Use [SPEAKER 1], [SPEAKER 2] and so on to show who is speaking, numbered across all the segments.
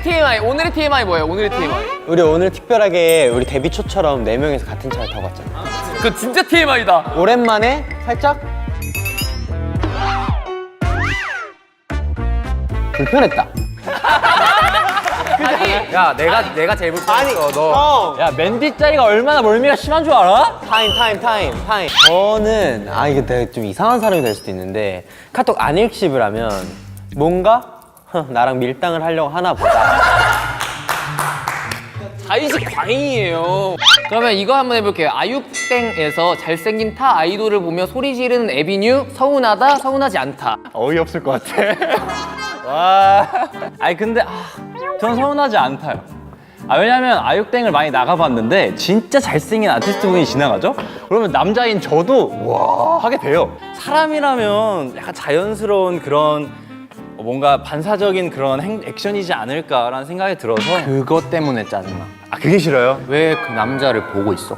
[SPEAKER 1] 오늘의 TMI 뭐예요? 오늘의 TMI.
[SPEAKER 2] 우리 오늘 특별하게 우리 데뷔 초처럼 4명이서 같은 차를 타고 왔잖아.
[SPEAKER 1] 그 진짜 TMI다.
[SPEAKER 2] 오랜만에 살짝 불편했다.
[SPEAKER 3] 야, 내가 제일 불편했어. 너.
[SPEAKER 2] 형!
[SPEAKER 3] 야, 맨디 짜리가 얼마나 멀미가 심한 줄 알아?
[SPEAKER 2] 타임. 저는 이게 내가 좀 이상한 사람이 될 수도 있는데 카톡 안 읽씹을 하면 뭔가 나랑 밀당을 하려고 하나 보다.
[SPEAKER 1] 자의식 광이에요. 그러면 이거 한번 해볼게요. 아육땡에서 잘생긴 타 아이돌을 보며 소리 지르는 에비뉴. 서운하다, 서운하지 않다.
[SPEAKER 3] 어이없을 것 같아. 와. 아니, 근데, 전 서운하지 않다요. 왜냐면 아육땡을 많이 나가봤는데 진짜 잘생긴 아티스트 분이 지나가죠? 그러면 남자인 저도 와 하게 돼요. 사람이라면 약간 자연스러운 그런 뭔가 반사적인 그런 액션이지 않을까라는 생각이 들어서
[SPEAKER 1] 그것 때문에 짜증나.
[SPEAKER 3] 그게 싫어요?
[SPEAKER 1] 왜 그 남자를 보고 있어?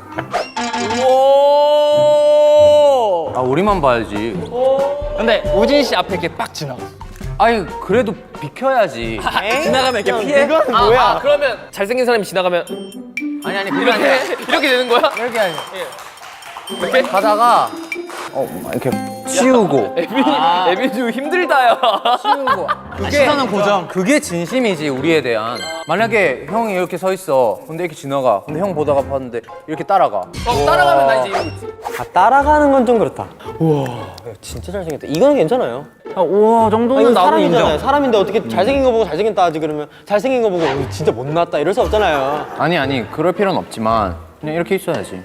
[SPEAKER 3] 우리만 봐야지. 근데 우진 씨 앞에 이렇게 빡 지나갔어. 아니 그래도 비켜야지. 지나가면 이렇게 피해?
[SPEAKER 2] 그건 뭐야?
[SPEAKER 1] 그러면 잘생긴 사람이 지나가면
[SPEAKER 3] 아니 그게 아니라
[SPEAKER 1] 이렇게 되는 거야?
[SPEAKER 3] 이렇게 아니 이렇게 가다가 이렇게 치우고
[SPEAKER 1] 에비뉴 힘들다야.
[SPEAKER 3] 치우고 시선은 고정. 그게 진심이지 우리에 대한. 만약에 형이 이렇게 서 있어. 근데 이렇게 지나가. 근데 형 보다가 봤는데 이렇게 따라가.
[SPEAKER 1] 따라가면 나 이제 이러고 있지.
[SPEAKER 2] 따라가는 건 좀 그렇다. 우와, 진짜 잘생겼다. 이거는 괜찮아요.
[SPEAKER 3] 우와 정도는
[SPEAKER 2] 이건
[SPEAKER 3] 나도
[SPEAKER 2] 사람이잖아요.
[SPEAKER 3] 인정.
[SPEAKER 2] 사람인데 어떻게 잘생긴 거 보고 잘생겼다 하지 그러면 잘생긴 거 보고 진짜 못났다 이럴 수 없잖아요.
[SPEAKER 3] 아니 그럴 필요는 없지만 그냥 이렇게 있어야지.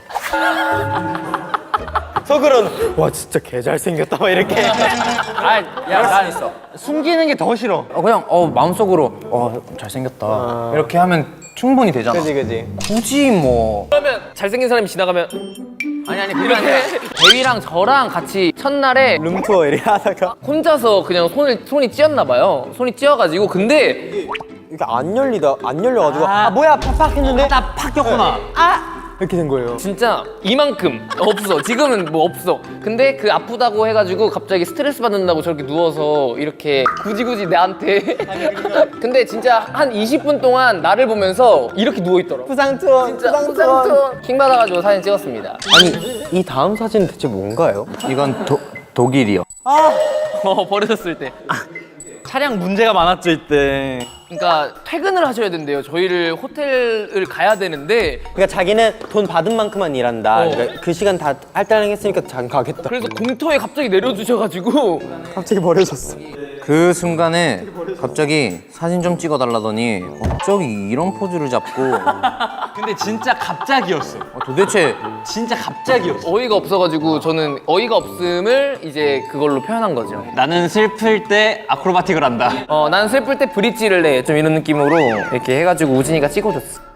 [SPEAKER 2] 속으로는 와 진짜 개 잘생겼다 막 이렇게.
[SPEAKER 3] 난 있어. 숨기는 게 더 싫어. 그냥 마음속으로 잘생겼다. 이렇게 하면 충분히 되잖아.
[SPEAKER 2] 그지.
[SPEAKER 3] 굳이 뭐.
[SPEAKER 1] 그러면 잘생긴 사람이 지나가면
[SPEAKER 3] 아니 그게 아니라.
[SPEAKER 1] 대위랑 저랑 같이 첫날에
[SPEAKER 2] 룸투어 이렇게 하다가
[SPEAKER 1] 혼자서 그냥 손이 찧었나 봐요. 손이 찧어가지고 근데
[SPEAKER 2] 이게 안 열려가지고 뭐야 팍팍 했는데
[SPEAKER 3] 팍 꼈구나.
[SPEAKER 2] 이렇게 된 거예요.
[SPEAKER 1] 진짜 이만큼 없어. 지금은 뭐 없어. 근데 그 아프다고 해가지고 갑자기 스트레스 받는다고 저렇게 누워서 이렇게 굳이 나한테 근데 진짜 한 20분 동안 나를 보면서 이렇게 누워있더라고.
[SPEAKER 2] 부상 투어.
[SPEAKER 1] 킹 받아가지고 사진 찍었습니다.
[SPEAKER 2] 아니 이 다음 사진은 대체 뭔가요?
[SPEAKER 3] 이건 독일이요.
[SPEAKER 1] 버려졌을 때.
[SPEAKER 3] 차량 문제가 많았죠 이때.
[SPEAKER 1] 그러니까 퇴근을 하셔야 된대요. 저희를 호텔을 가야 되는데
[SPEAKER 2] 그러니까 자기는 돈 받은 만큼만 일한다. 그러니까 그 시간 다 할당했으니까 자기 가겠다.
[SPEAKER 1] 그래서 공터에 갑자기 내려주셔가지고
[SPEAKER 2] 갑자기 버려졌어.
[SPEAKER 3] 그 순간에 갑자기 사진 좀 찍어달라더니 갑자기 이런 포즈를 잡고. 근데 진짜 갑자기였어. 도대체 진짜 갑자기였어.
[SPEAKER 1] 어이가 없어가지고 저는 어이가 없음을 이제 그걸로 표현한 거죠.
[SPEAKER 3] 나는 슬플 때 아크로바틱을 한다.
[SPEAKER 1] 난 슬플 때 브릿지를 내 좀 이런 느낌으로 이렇게 해가지고 우진이가 찍어줬어.